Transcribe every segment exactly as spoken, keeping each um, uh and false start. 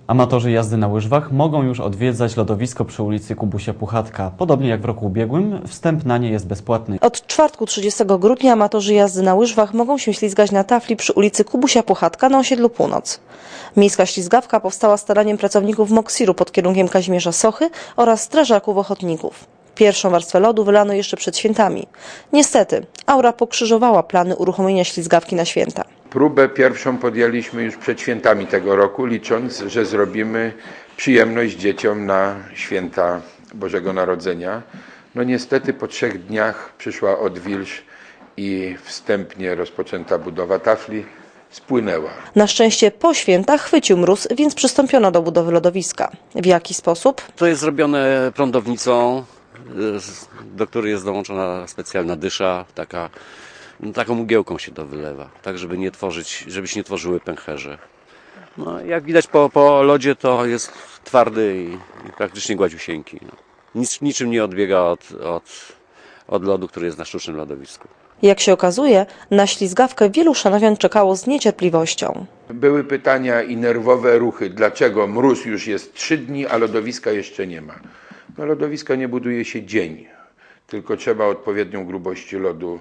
Amatorzy jazdy na łyżwach mogą już odwiedzać lodowisko przy ulicy Kubusia Puchatka. Podobnie jak w roku ubiegłym, wstęp na nie jest bezpłatny. Od czwartku trzydziestego grudnia amatorzy jazdy na łyżwach mogą się ślizgać na tafli przy ulicy Kubusia Puchatka na osiedlu Północ. Miejska ślizgawka powstała staraniem pracowników Moksiru pod kierunkiem Kazimierza Sochy oraz strażaków ochotników. Pierwszą warstwę lodu wylano jeszcze przed świętami. Niestety, aura pokrzyżowała plany uruchomienia ślizgawki na święta. Próbę pierwszą podjęliśmy już przed świętami tego roku, licząc, że zrobimy przyjemność dzieciom na święta Bożego Narodzenia. No niestety po trzech dniach przyszła odwilż i wstępnie rozpoczęta budowa tafli spłynęła. Na szczęście po świętach chwycił mróz, więc przystąpiono do budowy lodowiska. W jaki sposób? To jest zrobione prądownicą, do której jest dołączona specjalna dysza, taka, no, taką mgiełką się to wylewa, tak żeby nie tworzyć, żeby się nie tworzyły pęcherze. No, jak widać po, po lodzie, to jest twardy i, i praktycznie gładziusieńki. No. Nic, niczym nie odbiega od, od, od lodu, który jest na sztucznym lodowisku. Jak się okazuje, na ślizgawkę wielu szanowian czekało z niecierpliwością. Były pytania i nerwowe ruchy, dlaczego mróz już jest trzy dni, a lodowiska jeszcze nie ma. No, lodowiska nie buduje się dzień, tylko trzeba odpowiednią grubość lodu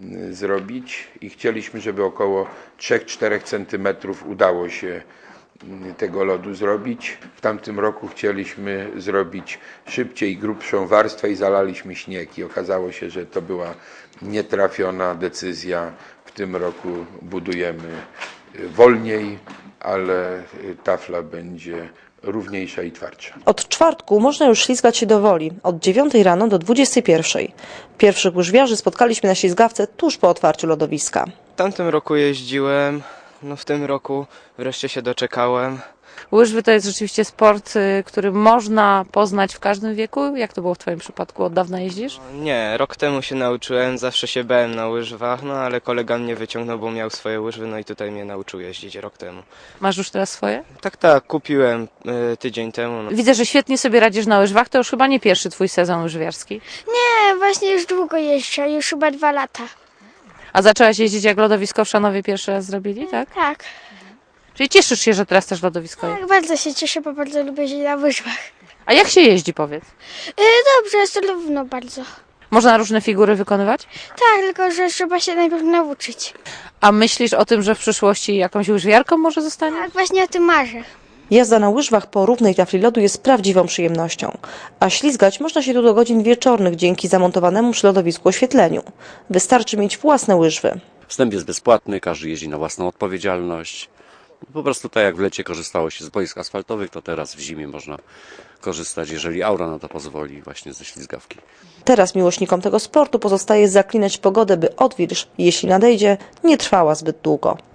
zrobić i chcieliśmy, żeby około trzy do czterech centymetrów udało się tego lodu zrobić. W tamtym roku chcieliśmy zrobić szybciej grubszą warstwę i zalaliśmy śnieg i okazało się, że to była nietrafiona decyzja. W tym roku budujemy wolniej, ale tafla będzie równiejsza i twardsza. Od czwartku można już ślizgać się do woli, od dziewiątej rano do dwudziestej pierwszej. Pierwszych łyżwiarzy spotkaliśmy na ślizgawce tuż po otwarciu lodowiska. W tamtym roku jeździłem, no w tym roku wreszcie się doczekałem. Łyżwy to jest rzeczywiście sport, który można poznać w każdym wieku. Jak to było w Twoim przypadku? Od dawna jeździsz? Nie, rok temu się nauczyłem, zawsze się bałem na łyżwach, no ale kolega mnie wyciągnął, bo miał swoje łyżwy, no i tutaj mnie nauczył jeździć rok temu. Masz już teraz swoje? Tak, tak, kupiłem y, tydzień temu. No. Widzę, że świetnie sobie radzisz na łyżwach. To już chyba nie pierwszy Twój sezon łyżwiarski. Nie, właśnie już długo jeżdżę, już chyba dwa lata. A zaczęłaś jeździć, jak lodowisko w Szanowie pierwszy raz zrobili, tak? Tak, Czyli cieszysz się, że teraz też lodowisko jest. tak, bardzo się cieszę, bo bardzo lubię jeździć na łyżwach. A jak się jeździ, powiedz? E, dobrze, jest równo bardzo. Można różne figury wykonywać? Tak, tylko że trzeba się najpierw nauczyć. A myślisz o tym, że w przyszłości jakąś łyżwiarką może zostaniesz? Tak, właśnie o tym marzę. Jazda na łyżwach po równej tafli lodu jest prawdziwą przyjemnością, a ślizgać można się tu do godzin wieczornych dzięki zamontowanemu przy lodowisku oświetleniu. Wystarczy mieć własne łyżwy. Wstęp jest bezpłatny, każdy jeździ na własną odpowiedzialność. Po prostu tak jak w lecie korzystało się z boisk asfaltowych, to teraz w zimie można korzystać, jeżeli aura na to pozwoli, właśnie ze ślizgawki. Teraz miłośnikom tego sportu pozostaje zaklinać pogodę, by odwilż, jeśli nadejdzie, nie trwała zbyt długo.